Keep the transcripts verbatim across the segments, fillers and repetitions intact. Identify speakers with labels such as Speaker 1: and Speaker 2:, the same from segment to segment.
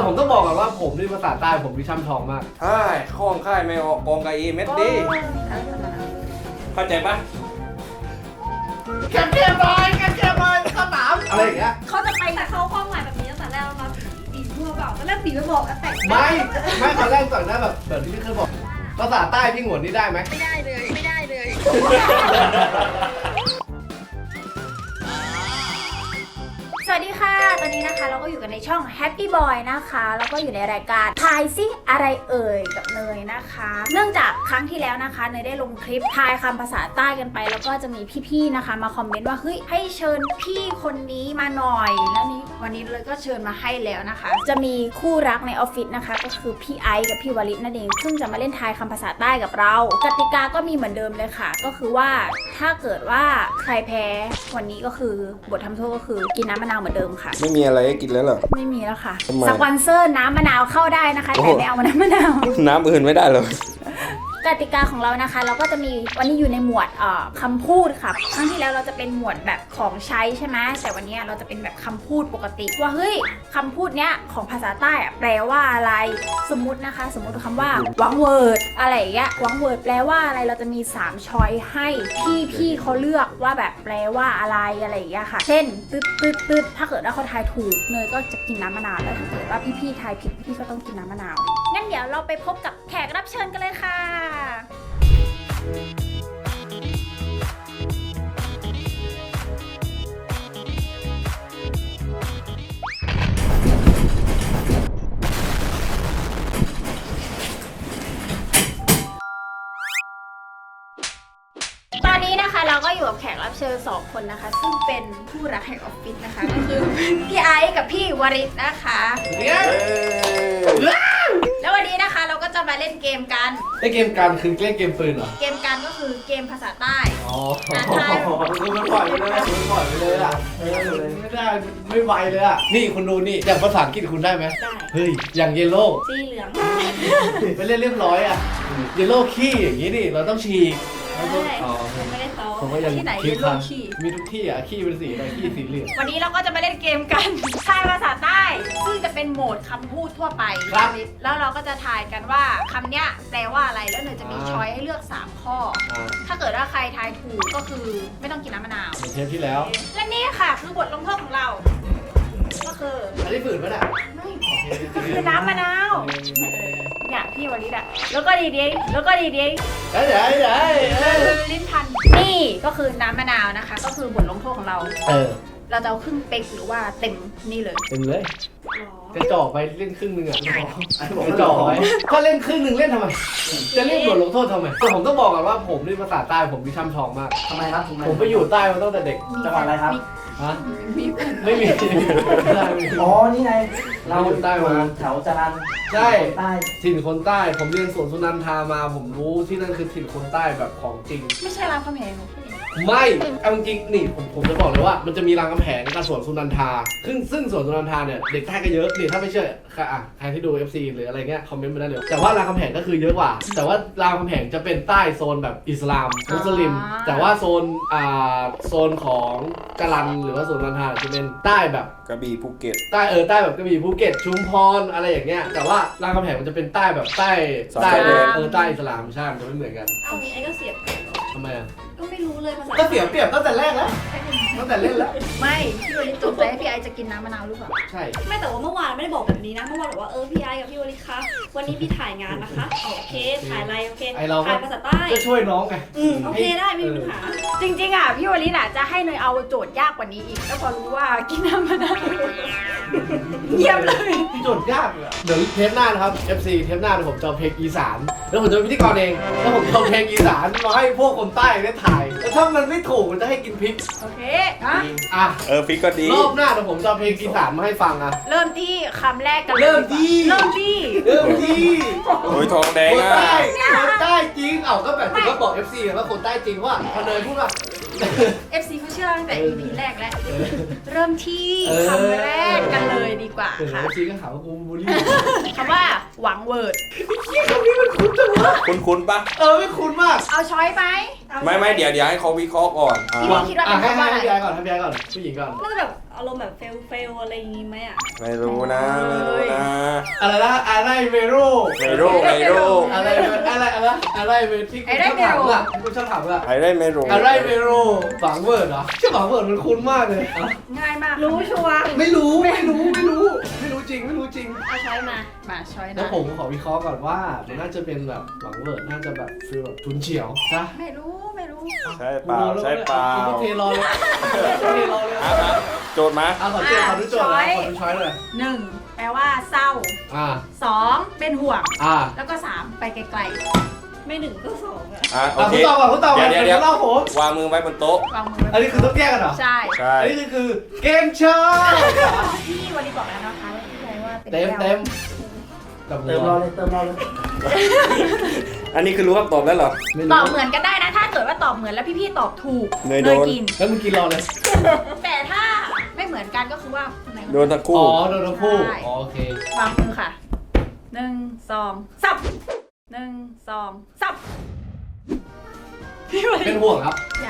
Speaker 1: ผมต้องบอกก่อนว่าผมนี่ภาษาใต้ผมมีช่ำชองมาก
Speaker 2: ใช่ข้องค่ายไม่ออกกองกะอีเม็ดดีเข้าใจปะ
Speaker 1: แค่เพียบเลยแค่เพียบเลยสนามอะไรอย่างเงี้ย
Speaker 3: เขาจะไปแต่เขาความหมายแบบนี้ตั้งแต่แรกแล้วมาบีบทั่วเปล่าแล้วบีบไปบอกแต่
Speaker 1: ไม่ไม่ตอนแรกก่อนหน้าแบบแบบที่พี่เคยบอกภาษาใต้พี่หงวนนี่ได้ไหม
Speaker 3: ไม่ได้เลยไม่ได้เลยสวัสดีค่ะตอนนี้นะคะเราก็อยู่กันในช่อง Happy Boy นะคะแล้วก็อยู่ในรายการทายซิอะไรเอ่ยกับเนยนะคะเนื่องจากครั้งที่แล้วนะคะเนยได้ลงคลิปทายคำภาษาใต้กันไปแล้วก็จะมีพี่ๆนะคะมาคอมเมนต์ว่าเฮ้ยให้เชิญพี่คนนี้มาหน่อยแล้วนี้วันนี้เลยก็เชิญมาให้แล้วนะคะจะมีคู่รักในออฟฟิศนะคะก็คือพี่ไอซ์กับพี่วลิศนั่นเองซึ่งจะมาเล่นทายคำภาษาใต้กับเรากติกาก็มีเหมือนเดิมเลยค่ะก็คือว่าถ้าเกิดว่าใครแพ้วันนี้ก็คือบททำโทษก็คือกินน้ำมะนาวเหมือนเดิมค่ะ
Speaker 2: ไม่มีอะไรให้กินแล้วเหรอ
Speaker 3: ไม่มีแล้วค่ะสปอนเซอร์น้ำมะนาวเข้าได้นะคะแต่ไม่เอาน้ำมะนาว
Speaker 2: น้ำอื่นไม่ได้เลย
Speaker 3: กติกาของเรานะคะเราก็จะมีวันนี้อยู่ในหมวดเอ่อคำพูดค่ะครั้งที่แล้วเราจะเป็นหมวดแบบของใช้ใช่ไหมแต่วันนี้เราจะเป็นแบบคำพูดปกติว่าเฮ้ยคำพูดเนี้ยของภาษาใต้แปลว่าอะไรสมมุตินะคะสมมุติคำว่าวังเวิร์ดอะไรอย่างเงี้ยวังเวิร์ดแปลว่าอะไรเราจะมีสามช้อยให้พี่พี่เขาเลือกว่าแบบแปลว่าอะไรอะไรอย่างเงี้ยค่ะเช่นตึ๊ดตึ๊ดตึ๊ดถ้าเกิดว่าเขาทายถูกเนยก็จะกินน้ำมะนาวแล้วถ้าเกิดว่าพี่พี่ทายผิดพี่ก็ต้องกินน้ำมะนาวงั้นเดี๋ยวเราไปพบกับแขกรับเชิญกันเลยค่ะตอนนี้นะคะเราก็อยู่กับแขกรับเชิญสองคนนะคะซึ่งเป็นผู้รักแห่งออฟฟิศนะคะก็คือพี่ไอซ์กับพี่วริศนะคะแล้ววันนี้นะคะเราก็จะมาเล่นเกมกัน
Speaker 1: เล่นเกมการคือเล่นเกมปืนเหรอ
Speaker 3: เกมกันก็คือเกมภาษาใต้
Speaker 1: อ๋อคือมันปล่อยไปเลยมันปล่อยไปเลยอ่ะไม่ได้ไม่ไวเลยอ่ะนี่คุณดูนี่อย่างภาษาอังกฤษคุณได้ไหม
Speaker 3: ได้
Speaker 1: เฮ้ยอย่างเยลโล่
Speaker 3: สีเหลือง
Speaker 1: ไปเล่นเรียบร้อยอ่ะเยลโล่ขี้อย่างนี้ดิเราต้องฉีก
Speaker 3: ผมไม่ได้ซ้อม
Speaker 1: ผมก็ยัง
Speaker 3: ที่ไหน
Speaker 1: คิด
Speaker 3: เยลโล่ขี้
Speaker 1: มีทุกที่อ่ะขี้เป็นสีอะไรขี้สีเหลือง
Speaker 3: วันนี้เราก็จะมาเล่นเกมกันทายภาษาใต้ซึ่งจะเป็นโหมดคำพูดทั่วไปแล้วเราก็จะทายกันว่าคำเนี้ยแปลว่าอะไรแล้วเนยจะมีช้อยให้เลือกสามข้อถ้าเกิดว่าใครทายถูกก็คือไม่ต้องกินน้ำมะนาว
Speaker 1: เทปที่แล้ว
Speaker 3: และนี่ค่ะคือบทลงโทษของเราก็คือ
Speaker 1: อันนี้ฝืนป่ะน่ะ
Speaker 3: ไม่ก็คือน้ำมะนาวเนี่ยพี่วลิศอะแล้วก็ดีดีแล้วก็ดีดี
Speaker 1: เดี๋ยวเดี๋ยวเดี๋ยว
Speaker 3: ลิ้นพันนี่ก็คือน้ำมะนาวนะคะก็คือบทลงโทษของเรา
Speaker 1: เออ
Speaker 3: เราจะเอาครึ่งเป๊กหรือว่าเต็มนี่เลย
Speaker 1: เต็มเลยจะจ่อไปเล่นครึ่งนึงอ่ะจะจ่อไปก็เล่นครึ่งนึงเล่นทำไมจะเล่นบทลงโทษทำไมแต่ผมต้องบอกก่อนว่าผมนี่ภาษาใต้ผมมีช่ำชองมาก
Speaker 4: ทำไมครับ
Speaker 1: ผมไปอยู่ใต้มาตั้งแต่เด็ก
Speaker 4: จังหวัดอะไรครับ
Speaker 1: ฮะไม่มี
Speaker 4: อ๋อนี่ไง
Speaker 1: เราอยู่ใต้มา
Speaker 4: แถวจรัญ
Speaker 1: ใช่
Speaker 4: ใต้
Speaker 1: ถิ่นคนใต้ผมเรียนสวนสุนันทามาผมรู้ที่นั่นคือถิ่นคนใต้แบบของจริง
Speaker 3: ไม่ใช่รามคำแหง
Speaker 1: ไม่เอาจริงนี่ผมผมจะบอกเลยว่ามันจะมีรามคำแหงกับสวนสุนันทาซึ่งซึ่งสวนสุนันทาเนี่ยเด็กใต้ก็เยอะนี่ถ้าไม่เชื่ออ่ะใครที่ดู เอฟ ซี หรืออะไรเงี้ยคอมเมนต์มาได้เลยแต่ว่ารามคำแหงก็คือเยอะกว่าแต่ว่ารามคำแหงจะเป็นใต้โซนแบบอิสลามมุสลิมแต่ว่าโซนอ่าโซนของกะลันหรือว่าสวนสุนันทาจะเป็นใต้แบบ
Speaker 2: กระบี่ภูเก็ต
Speaker 1: ใต้เออใต้แบบกระบี่ภูเก็ตชุมพรอะไรอย่างเงี้ยแต่ว่ารามคำแหงมันจะเป็นใต้แบบใต้ใต้เออใต้อิสลามใช่มันจะไม่เหมือนกัน
Speaker 3: เอางี้ไอ้ก็เสียบ
Speaker 1: ทำไมอ่ะ
Speaker 3: ก็ไม่รู้เลยภาษา
Speaker 1: ก็เสียเปรียบตั้งแต่แรกแล้วตั้งแต่เล่นแล้ว
Speaker 3: ไม่พี่วลิศจบใจให้พี่ไอจะกินน้ำมะนาวหรือเปล่า
Speaker 1: ใช่
Speaker 5: ไม่แต่ว่าเมื่อวานไม่ได้บอกแบบนี้นะเมื่อวานบอกว่าเออพี่ไอกับพี่วลิศคะวันนี้พี่ถ่ายงานนะคะโอเคถ่ายอะไรโอเคถ่ายภาษาใต้
Speaker 1: ก็ช่วยน้องไง
Speaker 5: อืมโอเคได้ไม่มีปัญหา
Speaker 3: จริงๆอ่ะพี่วลิศอ่ะจะให้เนยเอาโจทย์ยากกว่านี้อีกแล้วพอรู้ว่ากินน้ำมะนาวเยี่ยมเลย
Speaker 1: โจทย์ยากเลยเดี๋ยวเทปหน้านะครับ เอฟ ซี เทปหน้าผมจะเอาเพลงอีสานแล้วผมจะเป็นพิธีกรเองแล้วผมจะเอาเพลงอีสานมาให้พวกคนใต้ได้ถ่ายแล้วถ้ามันไม่ถูกมันจะให้กินพริก
Speaker 3: โอเค
Speaker 1: ฮะอ่ะ
Speaker 2: เออพริกก็ดี
Speaker 1: รอบหน้าเดี๋ยวผมจะเอาเพลงอีสานมาให้ฟังอ่ะ
Speaker 3: เริ่มที่คำแรกกัน
Speaker 1: เริ่มที่
Speaker 3: เริ่มที่
Speaker 1: เริ่มที่
Speaker 2: โอ้ยทองแดงอ่ะ
Speaker 1: คนใต้คนใต้จริงเอ้าก็แบบที่เขาบอก เอฟ ซี ว่าคนใต้จริงว่าพอเนยพูดว่า
Speaker 3: เอฟ ซี เขาเชื่อตั้งแต่ อี พี แรกแล้วเริ่มที่คำแรกกันเลยดีกว่าค่ะ
Speaker 1: เอฟ ซี ก็หาว่ากูบูลลี่
Speaker 3: คำว่าหวังเวิร์ด
Speaker 1: คำนี้มันคุ้นจังวะ
Speaker 2: คุ้นๆปะ
Speaker 1: เออไม่คุ้นมาก
Speaker 3: เอาช้อยไหม
Speaker 2: ไม่ไม่เดี๋ยวเดี๋ยวให้เขาวิเคราะห์ก่อน
Speaker 3: พี่คิดว่าเป็นคำว่าอะไร
Speaker 1: ให้พี่ไอก่อนให้พี่ไอก่อนผู้หญิงก่อน
Speaker 5: น่าจะแบบอารมณ์แบบเฟลเฟลอะไรอย่างงี้ไหมอ่ะ
Speaker 2: ไม่รู้นะไม่รู้นะ
Speaker 1: อะไรนะอะไรเมโร
Speaker 2: เมโรเมโร
Speaker 1: อะไรอะไรอะไรอะไรเมที่คุณชอบถามอ่ะคุณชอบถามอ่ะ
Speaker 2: ไอได้เมโร
Speaker 1: อะไรเมโรฝังเวิร์ดเหรอชื่อฝังเวิร์ดมันคุ้นมากเลย
Speaker 3: ง่ายมาก
Speaker 5: รู้ชัวร์
Speaker 1: ไม่รู้ไม่รู้ไม่รู้ไม่รู้จริงไม่รู้จริง
Speaker 5: เอาช้อยมา
Speaker 3: มาช้อย
Speaker 1: แล้ว
Speaker 3: นะ
Speaker 1: ผมขอวิเคราะห์ก่อนว่ามันน่าจะเป็นแบบหวังเวิร์ดน่าจะแบบฟีลแบบทุนเฉียวนะ
Speaker 3: ไม่รู้ไม่รู้
Speaker 2: ใช่เปล่าใช่เปล่า
Speaker 1: คุณเทรอเลยเทรอเลย
Speaker 2: อ่ะมาโจทย์มา
Speaker 1: อ่ะขอโจทย์ขอดูโจทย์นะขอดูช้อยเลย
Speaker 3: หนึ่งแปลว่าเศร้า
Speaker 1: อ่า
Speaker 3: สองเป็นห่วง
Speaker 1: อ่า
Speaker 3: แล้วก็สามไปไกล
Speaker 5: ไม่หนึ่งก็สองอะ
Speaker 2: อ่ะโอ
Speaker 1: อ่ะ
Speaker 2: เค
Speaker 1: คุณตอบก่อนคุณตอบก่อน
Speaker 2: เดี๋ยวเดี๋ยว
Speaker 1: เล่าผม
Speaker 2: วางมือไว้บนโต๊ะ
Speaker 3: ๆวางมือ
Speaker 1: อันนี้คือต้องแยกกันเหรอ
Speaker 3: ใช่
Speaker 2: ใช่
Speaker 1: อันนี้คือเกมโชว์
Speaker 3: พี่วันนี้บอกแล้วนะคะว่าพี่ไรว่าเป็น
Speaker 1: เต็ม
Speaker 3: แก้ว
Speaker 1: เต็มกับ
Speaker 4: เติมรอเลยเติมรอเลย
Speaker 2: อันนี้คือรู้คำตอบแล้วเหรอ
Speaker 1: ไม่
Speaker 3: ต
Speaker 1: รู้
Speaker 3: อบเหมือนกันได้นะ ถ้าเกิดว่าตอบเหมือนแล้วพี่ๆตอบถูก
Speaker 2: เนยโดน
Speaker 3: กิน
Speaker 1: แล้วมึงกินรอเลย
Speaker 3: แต่ถ้าไม่เหมือนกันก็คือว่าคนไหนคน
Speaker 2: โดนทั้งคู่
Speaker 1: อ๋อโดนทั้งคู่
Speaker 3: ใช่
Speaker 1: อ๋อโอเคว
Speaker 3: างมือค่ะหนึ่งสองสับหนึ่งสองสับพี่วัน
Speaker 1: เป็นห่วงครับ
Speaker 3: ใหญ่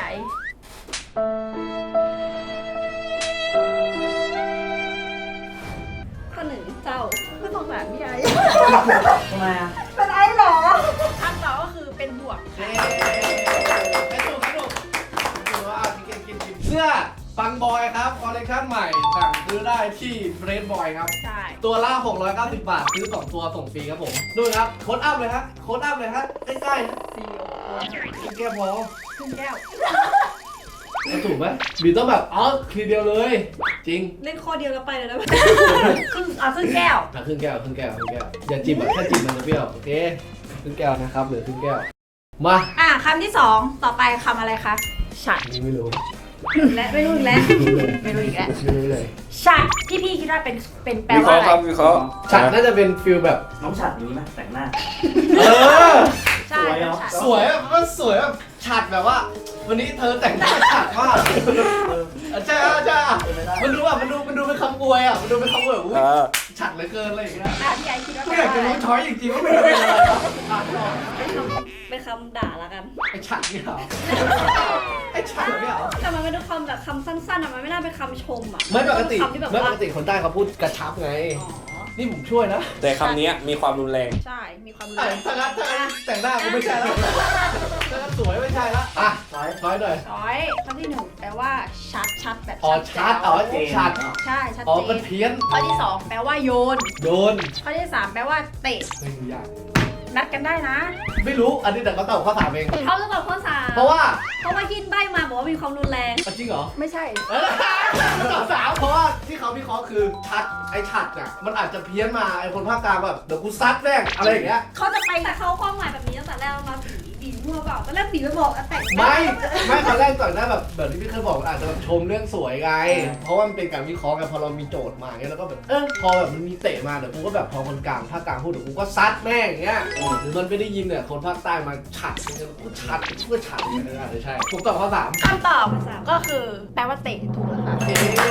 Speaker 5: ข้อหนึ่งเจ้า
Speaker 3: ไม่ต้องแบบพี่ไอ้
Speaker 4: ทำไมอ่ะ
Speaker 3: เป็นไอ้หรอคำตอบก็คือเป็นห่วง
Speaker 1: เย้ไม่ถูกไม่ถูกถือว่าอ่ะกินกินกินเสื้อปังบอยครับคอลเลคชั่นใหม่สั่งซื้อได้ที่เฟรนบอยครับ
Speaker 3: ใช่
Speaker 1: ตัวละหกร้อยเก้าสิบบาท ซื้อสองตัวส่งฟรีครับผมดูครับโค้ดอัพเลยฮะโค้ดอัพเลยฮะใกล้
Speaker 3: ซีโอ
Speaker 1: ๆกินแก้พอ
Speaker 3: ขึ้นแก้ว
Speaker 1: แล้วถูกไหมบีต้องแบบอ๋อทีเดียวเลย จริง
Speaker 5: เล่นข้อเดียวแล้วไปเลยนะ
Speaker 3: ครึ่งเอาครึ่งแก้ว
Speaker 1: อ่ะครึ่งแก้วครึ่งแก้วครึ่งแก้วอย่าจิ้มอ่ะแค่จิ้มมันจะเปรี้ยวโอเคครึ่งแก้วนะครับเหลือครึ่งแก้วมา
Speaker 3: อ่ะคำที่สองต่อไปคำอะไรคะฉัด
Speaker 1: อันนี่ไม่รู้
Speaker 5: และไม่รู้อีกแล้ว
Speaker 1: ไม่รู้เลย
Speaker 3: ไม่รู้อีกแล้ว
Speaker 1: ไม่รู้เลย
Speaker 3: ฉัดที่พี่คิดว่าเป็นเป็นแปล
Speaker 2: วิเค
Speaker 3: ว่า
Speaker 2: ราะห์
Speaker 3: อะไร
Speaker 2: ครับวิเคราะห์
Speaker 1: ฉัดน่าจะเป็นฟิลแบบ
Speaker 4: น้องฉัดอย่างนี้ไหมแต่งหน้า
Speaker 1: เออ
Speaker 3: ใช่
Speaker 4: สวยเหรอ
Speaker 3: ฉัด
Speaker 1: สวยแบบมันสวยแบบฉัดแบบว่า วันนี้เธอแต่งหน้าฉัดมากใช่ใช่มันดูแบบมันดูมันดูเป็นคำอวยอ่ะมันดูเป็นคำอวยแบบอุ้ย
Speaker 2: เออ
Speaker 1: ฉัดเหลือเกินอะไรอย่างเงี้ย
Speaker 3: อ่ะพี่ไอคิดว่า
Speaker 1: ไม่
Speaker 3: เป็น
Speaker 1: อยากจะ
Speaker 3: อะไร
Speaker 1: รู้ช้อยจริงๆว่ามันเป็นอะไรครับอ่านก่อน
Speaker 5: เป็นคำเป็นคำด่าละกัน
Speaker 1: ไอ้ฉัดเนี่ยเหรอไอ้ฉัดเนี่ยเหรอ
Speaker 5: แต่มันเป็นคำแบบคำสั้นๆอะมันไม่น่าเป็นคำชมอะ
Speaker 1: ไม่ปกติ
Speaker 5: คำที่แบบ
Speaker 1: ไม่ป
Speaker 5: ว่า
Speaker 1: กติคนใต้เขาพูดกระชับไง
Speaker 5: อ๋อ
Speaker 1: นี่ผมช่วยนะ
Speaker 2: แต่คำนี้มีความรุนแรง
Speaker 3: ใช่มีความรู้
Speaker 1: แต่ถ้างั้นถ้างั้นแต่งหน้ากูไม่ใช่แล้วถ้างั้นสวยไม่ใช่แล้วอ่ะ
Speaker 4: ช้อย
Speaker 1: ช้อยหน่อย
Speaker 3: ช้อยคำที่หนึ่งแปลว่าชัดชัดแบบ
Speaker 1: อ๋อชัดอ๋อชัด
Speaker 3: ใช่ชัด
Speaker 1: อ๋อ
Speaker 3: เจ
Speaker 1: มัน
Speaker 3: น
Speaker 1: เพี้ยน
Speaker 3: ข้อที่สองแปลว่าโยน
Speaker 1: โดน
Speaker 3: ข้อที่สามแปลว่าเตะ
Speaker 1: ไม่รู้ยาก
Speaker 3: นัดกันได้นะ
Speaker 1: ไม่รู้ อันนี้แต่เขาตอบข้อถามเอง
Speaker 5: เขาจะตอบข้อสาม
Speaker 1: เพราะว่า
Speaker 5: เพราะว่ายินใบมาบอกว่ามีความรุนแรง
Speaker 1: อ่ะจริงเหรอ
Speaker 3: ไม่ใช่
Speaker 1: เออตอบสามเพราะว่าที่เขาวิเคราะห์คือชัด ไอ้ชัดอ่ะ มันอาจจะเพี้ยนมาไอ้คนภาคกลางแบบเดี๋ยวกูซัดแม่งอะไรอย่างเงี้ย
Speaker 5: เขาจะไปแต่เขาความหมายแบบนี้ตั้งแต่แรกแล้วนะบีบีมั่วเปล่าตอนแรกบีไปบอกอะแต่ง
Speaker 1: ไม่ ไม่ตอนแรกก่อนหน้าแบบแบบที่พี่เคยบอกอาจจะแบบชมเรื่องสวยไง เพราะว่ามันเป็นการวิเคราะห์กันพอเรามีโจทย์มาเงี้ยแล้วก็แบบเออพอแบบมันมีเตะมาเดี๋ยวกูก็แบบพอคนกลางภาคกลางพูดเดี๋ยวกูก็ซัดแม่งอย่างเงี้ยหรือมันไม่ได้ยินเนี่ยคนภาคใต้มาฉัดเนี่ยกูฉัดเพื่อฉัดอย่างเงี้ยอาจจะใช่ผมตอบข้อสาม
Speaker 3: คำตอบก็คือแปลว่าเตะถูกแล้วค่ะ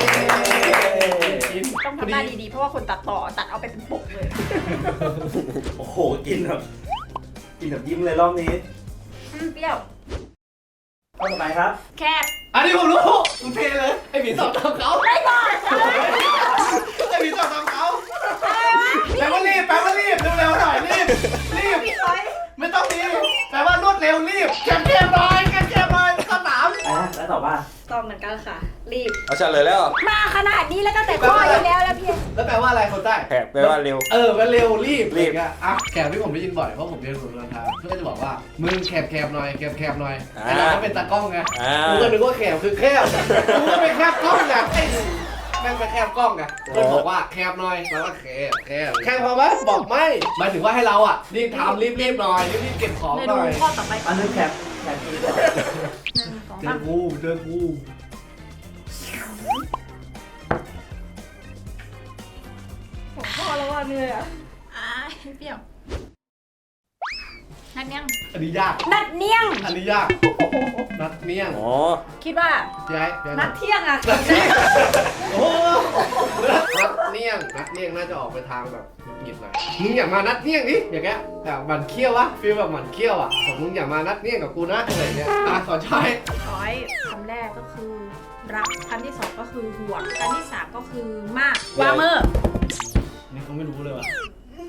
Speaker 3: ต้องทำหน้าดีๆ เพราะว่าคนตัดต่อตัดเอาไปเป็นปกเลย
Speaker 4: โอ้โห กินแบบ กินแบบยิ้มเลยรอบนี้
Speaker 3: อืมเปรี้ยว
Speaker 4: ข้อต่อไปครับ
Speaker 3: แคบ
Speaker 1: อันนี้ผมรู้คุณเพลเลยไอ้หมีตอบตามเขา
Speaker 3: ไม่ก่อน
Speaker 1: ไอ้หมีตอบตามเขาแปลว่ารีบแปลว่ารีบเร็วๆหน่อยรีบรีบ
Speaker 3: พี่ร้อย
Speaker 1: ไม่ต้องรีบแปลว่ารวดเร็วรีบแคบแคบๆหน่อยแคบแคบๆหน่อยข้อสาม
Speaker 4: อ่ะแล้วตอบว่า
Speaker 5: ตอบเหมือนกันค่ะ รีบ
Speaker 2: เอาเฉลยแล้ว
Speaker 3: มาขนาดนี้แล้วก็แต่ข้ออยู่แล้วแล้วพี่
Speaker 1: แล้วแปลว่าอะไรคนใต้
Speaker 2: แผลแปลว่าเร็ว
Speaker 1: เออมันเร็วรีบ
Speaker 2: รีบ
Speaker 1: อะอ่ะแคบที่ผมได้ยินบ่อยเพราะผมเรียนสุนทรภาเพื่อนก็จะบอกว่ามึงแคบแคบๆหน่อยแคบแคบๆหน่อย
Speaker 2: อ่า
Speaker 1: ไอ้เราก็เป็นตากล้องไง
Speaker 2: อ่า
Speaker 1: กูก็นึกว่าแคบคือแคบกูก็ไปแคบกล้องไงไอ้แม่งไปแคบกล้องไงเพื่อนบอกว่าแคบหน่อยแปลว่าแคบแคบแคบพอไหมบอกไม่หมายถึงว่าให้เราอ่ะรีบทำรีบรีบๆหน่อยรีบรีบๆเก็บของ
Speaker 3: เม
Speaker 1: ห
Speaker 3: นู
Speaker 1: น่อย
Speaker 3: ข้อต่อไปก่
Speaker 4: อั
Speaker 3: อน
Speaker 4: นนึงแคปแคปกินก่อน
Speaker 3: หนึ่งสอง
Speaker 1: เจ
Speaker 3: สา
Speaker 1: อ
Speaker 3: ม
Speaker 1: กูเจอกู
Speaker 5: ผมพ่อแล้วว่าเหนื่อยอะ
Speaker 3: อ่าเปรี้ยว นัดเนียง
Speaker 1: อันนี้ยาก
Speaker 3: นัดเนียง
Speaker 1: อันนี้ยากนัดเนี้ยง
Speaker 2: อ๋อ
Speaker 3: คิดว่า
Speaker 1: ย้ายย้าย
Speaker 5: นัดเที่ยงอะ
Speaker 1: นัดเนี้ยงโอ้นัดเนี้ยงนัดเนี้ยงน่าจะออกไปทางแบบหงุดหงิดหน่อยมึงอย่ามานัดเนี้ยงดิอย่างเงี้ยแบบหมันเคี้ยววะฟีลแบบหมันเคี้ยวอ่ะบอกมึงอย่ามานัดเนี้ยงกับกูนะอะไรเงี้ยอ่ะขอใช้
Speaker 3: ช้อยคำแรกก็คือ รักคำที่สองก็คือห่วงคำที่สามก็คือมากวางมือ
Speaker 1: นี่เขาไม่รู้เลยว่ะ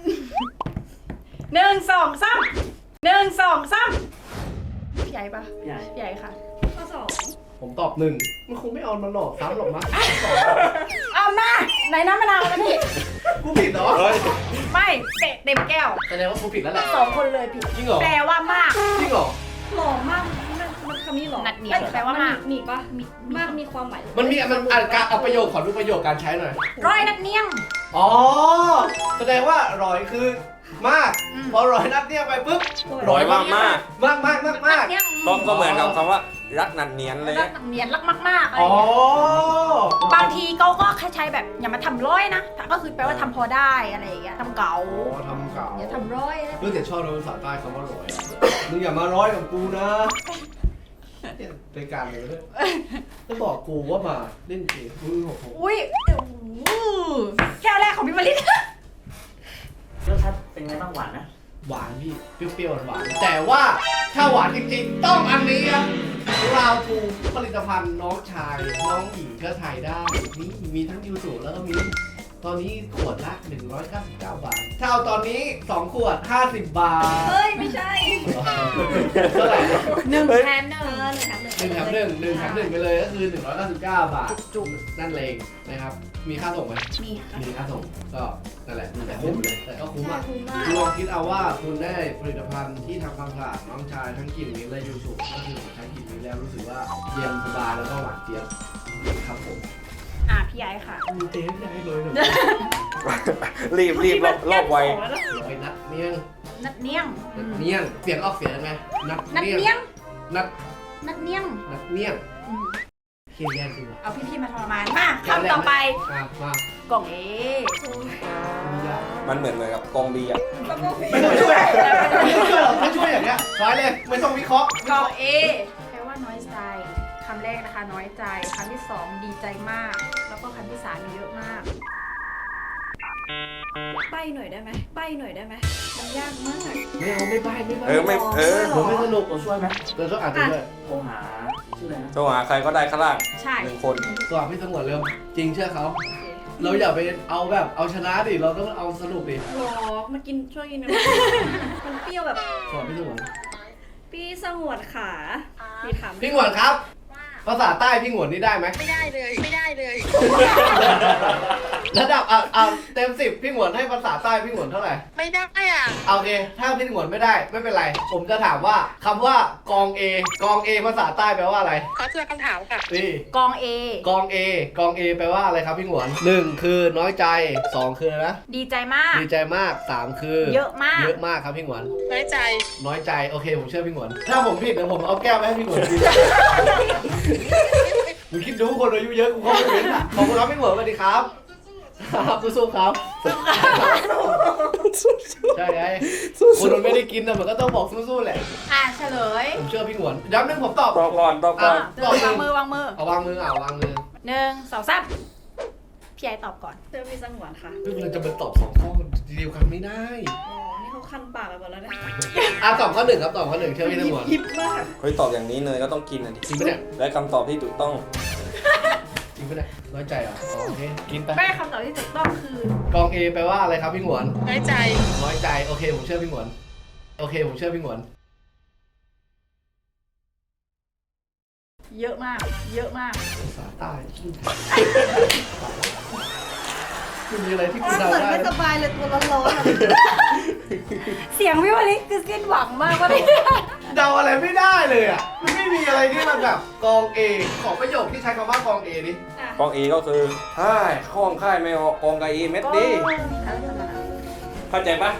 Speaker 3: องสามพี่ใหญ่ปะ
Speaker 4: ใหญ่
Speaker 3: พี่ใหญ่ค่ะ
Speaker 5: ข้อสอง
Speaker 1: ผมตอบหนึ่งมันคงไม่เอามาหลอกซ้ำหรอกมั้ง
Speaker 3: เอามาไหนน้ำมะนาวนะพี่
Speaker 1: กูผิดเหรอ
Speaker 2: เฮ้ย
Speaker 3: ไม่เตะเต็มแก้ว
Speaker 1: แสดงว่ากูผิดแล้วแหละ
Speaker 3: สองคนเลยผิด
Speaker 1: จริงเหรอ
Speaker 3: แปลว่ามาก
Speaker 1: จริงเหรอ
Speaker 5: หล่อมากมันมันคำนี้หรอ
Speaker 3: นัดเนียนแปลว่ามาก
Speaker 5: มีปะมีมากมีความหมาย
Speaker 1: มันมีมันอ่านการเอาประโยคขอดูประโยคการใช้หน่อย
Speaker 3: ร้อยนัดเนียง
Speaker 1: อ๋อ แสดงว่าร้อยคือมาก
Speaker 3: อืม
Speaker 1: พอร้อยนัดเนี่ยไปปุ๊บ
Speaker 2: ร้อยมากมาก
Speaker 1: มากมากมากมาก
Speaker 3: นัดเนียง
Speaker 2: ก็ก็เหมือนกับคำว่ารักนันเนียนเลย
Speaker 3: รักนัดเนียนรักมากๆอะไร
Speaker 1: อ๋อ
Speaker 3: เงี้ยบางทีเขาก็แค่ใช้แบบอย่ามาทำร้อยนะก็คือแปลว่าทำพอได้อะไรอย่างเงี้ยทำเก๋า
Speaker 1: อ๋อทำเก่า
Speaker 3: อย่าทำร้อยอะไร
Speaker 1: เรื่องแต่ชอบในภาษาใต้คำว่าร้อยอะมึงอย่ามาร้อยกับกูนะเนี่ยรายการเลยด้วยจะบอกกูว่ามาเล่นเกมมึงหกหก
Speaker 3: อุ้ยอู้แก้วแรกของพี่มาริ
Speaker 4: รสชาติเป็นไงบ้างหวานนะ
Speaker 1: หวานพี่เปรี้ยวๆหวานๆแต่ว่าถ้าหวานจริงๆ ต้องอันนี้ครับราวทูผลิตภัณฑ์น้องชาย น้องหญิงก็ถ่ายได้นี่มีทั้งยูสุแล้วก็มีตอนนี้ขวดละหนึ่งร้อยเก้าสิบเก้าบาทถ้าเอาตอนนี้สองขวดห้าสิบบาท
Speaker 5: เฮ้ยไม่ใช่
Speaker 1: เท่าไหร่
Speaker 3: หนึ่งแถมหนึ่ง
Speaker 5: เออหนึ่งแถมหนึ่ง
Speaker 1: หนึ่งแถมหนึ่งหนึ่งแถมหนึ่งไปเลยก็คือหนึ่งร้อยเก้าสิบเก้าบาทจุกนั่นเองนะครับมีค่าส่งไหม
Speaker 3: มีค่ะ
Speaker 1: มีค่าส่งก็นั่นแหละแต่คุ้มเลยแต่ก็คุ้ม
Speaker 5: ใช่
Speaker 1: อ่ะ
Speaker 5: คุ้มมาก
Speaker 1: ลองคิดเอาว่าคุณได้ผลิตภัณฑ์ที่ทำความสะอาดน้องชายทั้งกลิ่นมิ้นท์และยูสุก็คือใช้กลิ่นมิ้นท์แล้วรู้สึกว่าเย็นสบายแล้วก็หวานเจี๊ยบครับผม
Speaker 3: อ่ะพี่ไอ้ค่ะ
Speaker 1: มีเต้ที่ให้เลยหน่อย
Speaker 2: รีบรีบรอบรอบไว
Speaker 1: ลอยนัดเนียง
Speaker 3: นัดเนียง
Speaker 1: นัดเนียงเสียงออกเสียงไงนัด
Speaker 3: นัด
Speaker 1: เนียง
Speaker 3: เนียง
Speaker 1: นัด
Speaker 3: นัดเนียง
Speaker 1: นัดเนียง
Speaker 3: อืม
Speaker 1: เคียนแย่จริงว่ะ
Speaker 3: เอาพี่ๆมาทรมานมาคำต่อไป
Speaker 1: มามาก
Speaker 3: ล่องเอ
Speaker 1: มียาก
Speaker 2: มันเหมือนเหมือนกับกองบีอ่ะ
Speaker 1: ไม่ต้องช่วยไม่ต้องช่วยหรอกถ้าช่วยอย่างเงี้ยร้อยเลยไม่ต้องวิเคราะห์
Speaker 3: กล่องเอแปลว่าน้อยใจคำแรกนะคะน้อยใจคำที่สองดีใจมาก แล้วก็คำที่สามมีเยอะมาก
Speaker 5: ใบหน่อยได้ไหมใบหน่อยได้ไหมมันยากมาก
Speaker 1: ไม่เอาไม่ใบไม่ใบ
Speaker 2: เออไม่เออ
Speaker 1: ผมไม่สนุก
Speaker 4: ตัวช่วยไหม
Speaker 1: เดี๋ยวช่วยอ่านด้วย
Speaker 4: โทรหาชื่ออะไรนะ
Speaker 2: โทรหาใครก็ได้ข้างล่าง
Speaker 3: ใช่
Speaker 2: หนึ่งคน
Speaker 1: ตัวพี่สงวนเร็วจริงเชื่อเขาเราอย่าไปเอาแบบเอาชนะดิเราต้องเอาสนุกดิ
Speaker 5: หรอกมากินช่วยกินหน่อยมันเปรี้ยวแบบ
Speaker 1: สอนพี่สงวน
Speaker 5: พี่สงวนขาพี่ถาม
Speaker 1: พี่หงวนครับ ภาษาใต้พี่หงวนนี่ได้ไหม
Speaker 6: ไม่ได้เลย ไม่ได้เลย
Speaker 1: ระดับอ่ะอ่ะเต็มสิบพี่หงวนให้ภาษาใต้พี่หงวนเท่าไหร่
Speaker 6: ไม่ได้อ่ะ
Speaker 1: เอาโอเค ถ้าพี่หงวนไม่ได้ไม่เป็นไร ผมจะถามว่าคำว่ากอง A กอง A ภาษาใต้แปลว่าอะไร
Speaker 6: ขอเจอคำถามค่ะ
Speaker 1: นี่
Speaker 3: กองเอก
Speaker 1: อง A กอง A แปลว่าอะไรครับพี่หงวนหนึ่งคือน้อยใจสองคืออะไรนะ
Speaker 3: ดีใจมาก
Speaker 1: ดีใจมากสามคือ
Speaker 3: เยอะมาก
Speaker 1: เยอะมากครับพี่หงวน
Speaker 6: น้อยใจ
Speaker 1: น้อยใจโอเคผมเชื่อพี่หงวนถ้าผมผิดเดี๋ยวผมเอาแก้วไปให้พี่หงวนกิน มึงคิดดูคนอายุเยอะกูเข้าไม่เป็นอ่ะขอบคุณครับพี่หงวนสวัสดีครับครับสู้ๆครับใช่ไงคนมันไม่ได้กินนะมันก็ต้องบอกสู้ๆแหละ
Speaker 3: อ่ะเฉลย
Speaker 1: ผมเชื่อพี่หงวนย้ำหนึ่งผมตอบ
Speaker 2: ตอบก่อนตอบก่อน
Speaker 3: อ่ะวางมือวางมือ
Speaker 1: เอาวางมือเอาวางมือ
Speaker 3: หนึ่งสองสามพี่ไอ้ตอบก่อน
Speaker 5: เจอพี่สงวนค่ะ
Speaker 1: เฮ้ยเราจะมาตอบสองข้อเดียวกันไม่ได้
Speaker 5: อ๋อนี่เขาคันปากไปหมดแล้วเนี่ย
Speaker 1: อ่ะตอบข้อหนึ่งครับตอบข้อหนึ่งเชื่อพี่หงวน
Speaker 5: ยิบมาก
Speaker 2: เฮ้ยตอบอย่างนี้เนยก็ต้องกินอ่ะดิ
Speaker 1: จริงปะเนี่ย
Speaker 2: และคำตอบที่ถูกต้อง
Speaker 1: จริงปะเนี่ยน้อยใจเหรออ๋อโอเคกินไป
Speaker 3: แม่คำตอบที่ถูกต้องคือก
Speaker 1: อง A แปลว่าอะไรครับพี่หงวน
Speaker 6: น้อยใจ
Speaker 1: น้อยใจโอเคผมเชื่อพี่หงวนโอเคผมเชื่อพี่หงวน
Speaker 3: เยอะมาก เยอะมาก
Speaker 1: ภาษาใต้คุณมีอะไรที่คุณ
Speaker 5: เห
Speaker 1: เดา
Speaker 5: มือน
Speaker 1: ได้
Speaker 5: ไม่สบายเลยตัวร้อนๆอะ
Speaker 3: เสียงพี่วลิคือสิ้นหวังมากว่าพี่
Speaker 1: เดาอะไรไม่ได้เลยอ่ะมันไม่มีอะไรที่มันแบบกอง A ขอประโยคที่ใช้คำว่ากอง A ดิ
Speaker 5: อ่ะ
Speaker 2: กองเอก็คือฮ่ายข้องค่ายไม่ออกกองกาอีเม็ดดีเข้าใจปะ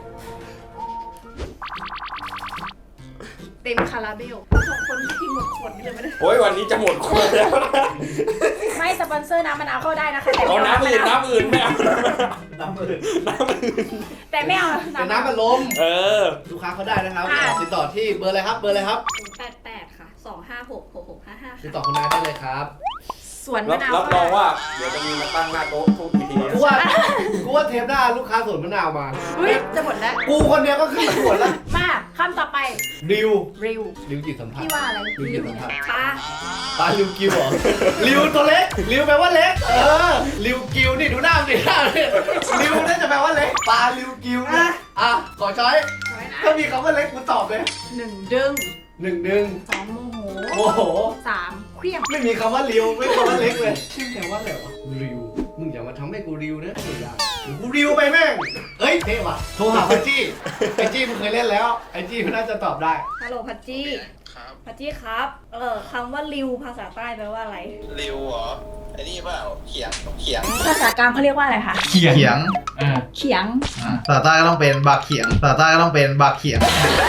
Speaker 3: เต็มคาราเบล
Speaker 5: สองคนที่กินหมดขวดนี่เลยไม่ได้
Speaker 2: โอ้ยวันนี้จะหมดขวดแล้วนะ
Speaker 3: ไม่สปอนเซอร์น้ำมะนาวเข้าได้นะคะแต่
Speaker 2: เอา
Speaker 3: ไม่
Speaker 2: น้ำอื่นน้ำอื่นไม่เอา
Speaker 1: น้ำมือ
Speaker 2: น้ำอื่น
Speaker 3: แต่ไม่เอา
Speaker 1: เป็นน้ำมันลม
Speaker 2: เออ
Speaker 1: ลูกค้าเขาได้นะครับ
Speaker 3: ค่ะ
Speaker 1: ติดต่อที่เบอร์อะไรครับเบอร์อะไรครับ
Speaker 5: แปดแปดค่ะสองห้าหกหกหกห้าห้า
Speaker 1: ติด
Speaker 5: ค่ะ
Speaker 1: ต่อคุณนายได้เลยครับ
Speaker 3: สวน
Speaker 2: รั
Speaker 3: มะ
Speaker 2: บ
Speaker 3: นาว
Speaker 2: รับรองว่าเดี๋ยวจะมีมาตั้งหน้าโต๊ะทุกที
Speaker 1: กูว่ากูว่าเทปหน้าลูกค้าสวนมะนาวมา
Speaker 3: เฮ้ยจะหมดแล้ว
Speaker 1: กูคนเดียวก็ขึ้นสวนแล้ว
Speaker 3: มาคำต่อไป
Speaker 1: ริว
Speaker 3: ริว
Speaker 1: ริวจิตสัมผัส
Speaker 3: พี่ว่าอะไร
Speaker 1: ริวจิตสัมผัส
Speaker 5: ปลา
Speaker 1: ปลาริวกิวเหรอริวตัวเล็กริวแปลว่าเล็กเออริวกิวนี่ดูหน้าดิหน้าเนี่ยริวน่าจะแปลว่าเล็กปลาริวกิวนะอ่ะขอช้อย
Speaker 3: สวยนะ
Speaker 1: ถ้ามีคำว่าเล็กกูตอบเลย
Speaker 3: หนึ่งดึง
Speaker 1: หนึ่งดึง
Speaker 3: สองโมโห
Speaker 1: โอ้โห
Speaker 3: สามเครียง
Speaker 1: ไม่มีคำว่าริวไม่มีคำว่าเล็กเลยชื่อแปลว่าอะไรวะริวมึงอย่ามาทำให้กูริวนะไม่ได้เดี๋ยวกูริวไปแม่งเอ้ยเท่ว่ะโทรหาพัชจี้ไอจี้มึงเคยเล่นแล้วไอจี้มันน่าจะตอบได้
Speaker 5: ฮัลโหลพัชจี้พัชจี้ครับ เออคำว่าริวภาษาใต้แปลว่าอะไร
Speaker 7: ริวเหรอไอ้นี่เปล่าเขียงเขียง
Speaker 3: ภาษากลางเขาเรียกว่าอะไรคะ
Speaker 8: เขียงเขียง
Speaker 3: เขียง
Speaker 8: ภาษาใต้ก็ต้องเป็นบักเขียงภาษาใต้ก็ต้องเป็นบักเขียง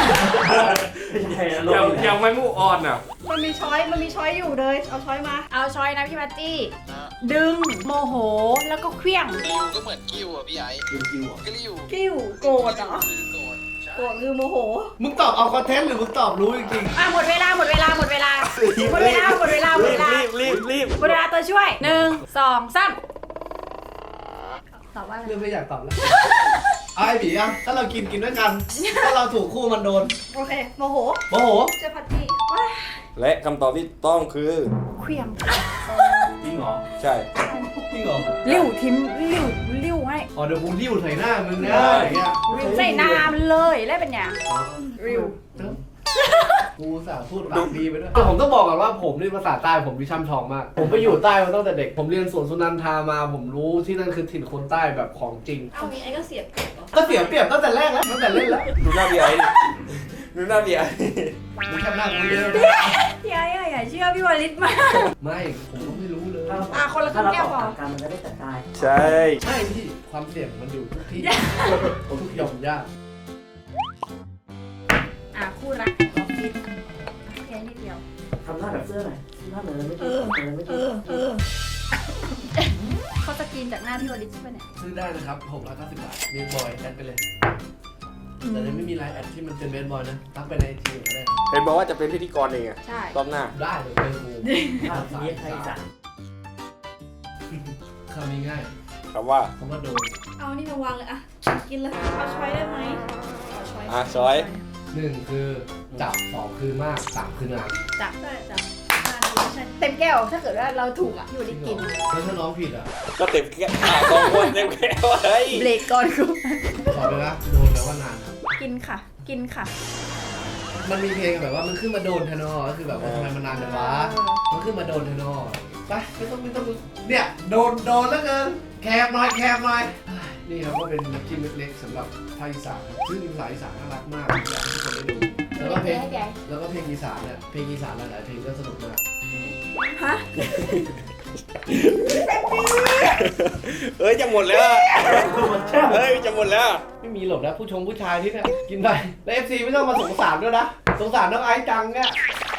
Speaker 2: ยังยังไม่มูออนอ่ะ
Speaker 5: มันมีช้อย มันมีช้อยอยู่เลย เอาช้อยมา
Speaker 3: เอาช้อยนะพี่พัตจี้ ดึง โมโห แล้วก็เครียง
Speaker 7: ริวก็เหมือนกิ้วอ่ะพี่ไอ้กิ้วกิ้วกิ้ว
Speaker 5: กิ้วโกรธเหรอ
Speaker 7: โกรธใช่
Speaker 5: โกรธคือโมโห
Speaker 1: มึงตอบเอาคอนเทนต์หรือมึงตอบรู้จริง
Speaker 3: อ่ะหมดเวลาหมดเวลาหมดเวลาหมดเวลาหมดเวลาหมดเวลา
Speaker 2: รีบรีบรีบ
Speaker 3: หมดเวลาตัวช่วยหนึ่งสองสามตอบว่าอะไร
Speaker 1: ๆเรื่องไม่อยากตอบแล้วเอาไอ้ผีอ่ะถ้าเรากินกินด้วยกันถ้าเราถูกคู่มันโดน
Speaker 5: โอเค โมโห
Speaker 1: โมโห
Speaker 5: เจ้าพัชจี้ว้าย
Speaker 2: และคำตอบที่ต้องคือ
Speaker 3: เครียง
Speaker 4: จริงเหรอ
Speaker 2: ใช่
Speaker 1: จริงเหรอ
Speaker 3: ลิ้วทิมลิ้วลิ้วให้
Speaker 1: อ๋อเดี๋ยวกูริ้วใส่หน้ามึงนะอย่างเงี้ย
Speaker 3: ใส่น้ำเลยแล้วเป็นอย่าง
Speaker 1: ริวกูสาพูดปากดีไปด้วยแต่ผมต้องบอกก่อนว่าผมนี่ภาษาใต้ผมวิช่ำชองมาก ผมไปอยู่ใต้มาตั้งแต่เด็ก ผมเรียนสวนสุนันทามา ผมรู้ที่นั่นคือถิ่นคนใต้แบบของจริง
Speaker 5: เอางี้ไอ้ก็เสียบเปรียบเหรอ
Speaker 1: ก็เสียเปรียบตั้งแต่แรกแล้วตั้งแต่เล่นแล้ว
Speaker 2: ดูหน้าพี่ไอ้ดิดูหน้าพี่ไอ้
Speaker 1: มึงแค่หน้ากูเยอะ
Speaker 3: พี่ไอ้อะอย่าเชื่อพี่วลิตมาก
Speaker 1: ไม่ ผมก็ไม่รู้เลย
Speaker 3: อ่ะคนละครึ่งแก้วพอ
Speaker 4: การมันจะได้จัดการ
Speaker 2: ใช่
Speaker 1: ใช่พี่ ความเสี่ยงมันอยู่ทุกที่ ทุกหย่อมย่า
Speaker 3: อ่ะคู่รักออฟฟิศแค่นิดเดียว
Speaker 4: ทำหน้าแบบเสื้อหน่อยหน้าเหมือนไม่
Speaker 5: เอ
Speaker 4: ติด
Speaker 5: อ
Speaker 4: เหมือนไม่
Speaker 5: เอ
Speaker 4: ติด
Speaker 5: อ เออ
Speaker 3: เขาจะกินจากหน้าพี่วลิตใช่ไหมเนี่ย
Speaker 1: ซื้อได้นะครับหกร้อยเก้าสิบบาทเบสบอยแอดไปเลย แต่ยังไม่มีไลน์แอดที่มันเป็นเบสบอยนะทักไปในไอจีก็ได้
Speaker 2: เห็นบอกว่าจะเป็นพิธีกรเองอะ
Speaker 3: ใช่
Speaker 2: รอบหน้า
Speaker 1: ได้เลยเป็นกู
Speaker 4: ภาพนี้ไทยอีสาน
Speaker 1: คำนี้ง่าย
Speaker 2: คำว่า
Speaker 1: คำว่าโดน
Speaker 5: เอานี่มาวางเลยอะกินเลย เอาช้อยได้ไหมเอาช้อย
Speaker 2: อ่ะช้อย
Speaker 1: หนึ่งคือจับสองคือมากสามคือนาน
Speaker 3: จับ
Speaker 5: ใช่จ้ะนานดีใช่
Speaker 3: เต็มแก้วถ้าเกิดว่าเราถูกอ่ะพี่วลิตกิน
Speaker 1: แล้วถ้าน้องผิดอ่ะ
Speaker 2: ก็เต็มแก้วอ่ะสองคนเต็มแก้วเฮ้ย
Speaker 3: เบรกก่อนคุณ
Speaker 1: ตอบเลยนะโดนแปลว่านานครับ
Speaker 3: กินค่ะ กินค่ะ
Speaker 1: มันมีเพลงแบบว่ามันขึ้นมาโดนเทนอก็คือแบบว่าทำไมมันนานจังวะมันขึ้นมาโดนเทนอไปไม่ต้องไม่ต้องเนี่ยโดนโดนแล้วเกินแคบหน่อยแคบหน่อยนี่ครับก็เป็นน้ำจิ้มเล็กๆสำหรับภาคอีสานครับซึ่งภาษาอีสานน่ารักมากอยากให้ทุกคนได้ดูแล้วก็เพลงแล้วก็เพลงอีสานเนี่ยเพลงอีสานหลายๆเพลงก็สนุกมาก
Speaker 3: ฮะ
Speaker 2: เอ้ยจะหมดแล้วอะเฮ้ยจะหมดแล้ว
Speaker 1: ไม่มีหรอกนะผู้ชมผู้ชายที่เนี่ยกินไปแล้วเอฟซีไม่ต้องมาสงสารด้วยนะสงสารน้องไอซ์จังเนี่ย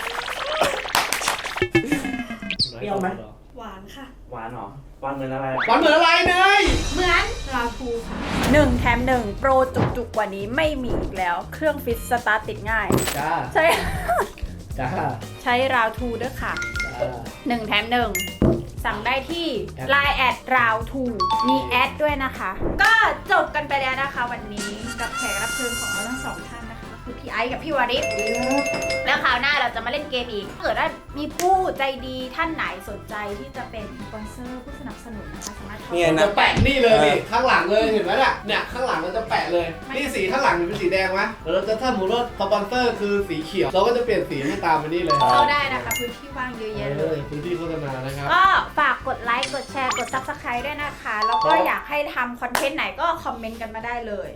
Speaker 4: เปรี้ยวไหม
Speaker 5: หวานค่ะ
Speaker 4: หวานเหรอหวานเหมือนอะไร
Speaker 1: หวานเหมือนอะไรเนย
Speaker 3: เหมือน
Speaker 5: ราคูค่ะ
Speaker 3: หนึ่งแถมหนึ่งโปรจุกๆกว่านี้ไม่มีอีกแล้ว เครื่องฟิตสตาร์ทติดง่าย
Speaker 1: จ้า
Speaker 3: ใช่
Speaker 1: จ้า
Speaker 3: ใช้ราวทูด้วยค่ะ
Speaker 1: จ้า
Speaker 3: หนึ่งแถมหนึ่งสั่งได้ที่
Speaker 1: แอด
Speaker 3: ไลน์แอดราวทูมีแอดด้วยนะคะ ก็จบกันไปแล้วนะคะวันนี้กับแขกรับเชิญของเราทั้งสองท่านนะคะ คือพี่ไอซ์กับพี่วาริศแล้วคราวหน้าเราจะมาเล่นเกมอีกถ้าเกิดว่ามีผู้ใจดีท่านไหนสนใจที่จะเป็นสปอนเซอร์ผู้สนับสนุนนะคะสามารถเข้า
Speaker 2: เนี่ย
Speaker 1: ผม
Speaker 2: นะ
Speaker 1: จะแปะนี่เลยนี่ข้างหลังเลยเห็นไหมเนี่ยเนี่ยข้างหลังเราจะแปะเลย นี่สีข้างหลังเป็นสีแดงไหมแล้วเราจะถ้าสมมติว่าสปอนเซอร์คือสีเขียวเราก็จะเปลี่ยนสีให้ตามไปนี่เลย
Speaker 3: เข้าได้นะคะพื้นที่ว่างเยอะแยะเลย
Speaker 1: พื้นที่โฆษณานะครับ
Speaker 3: ก็ฝากกดไลค์ กดแชร์ กด ซับสไครบ์ ด้วยนะคะ แล้วก็อยากให้ทำคอนเทนต์ไหนก็คอมเมนต์กันมาได้เลย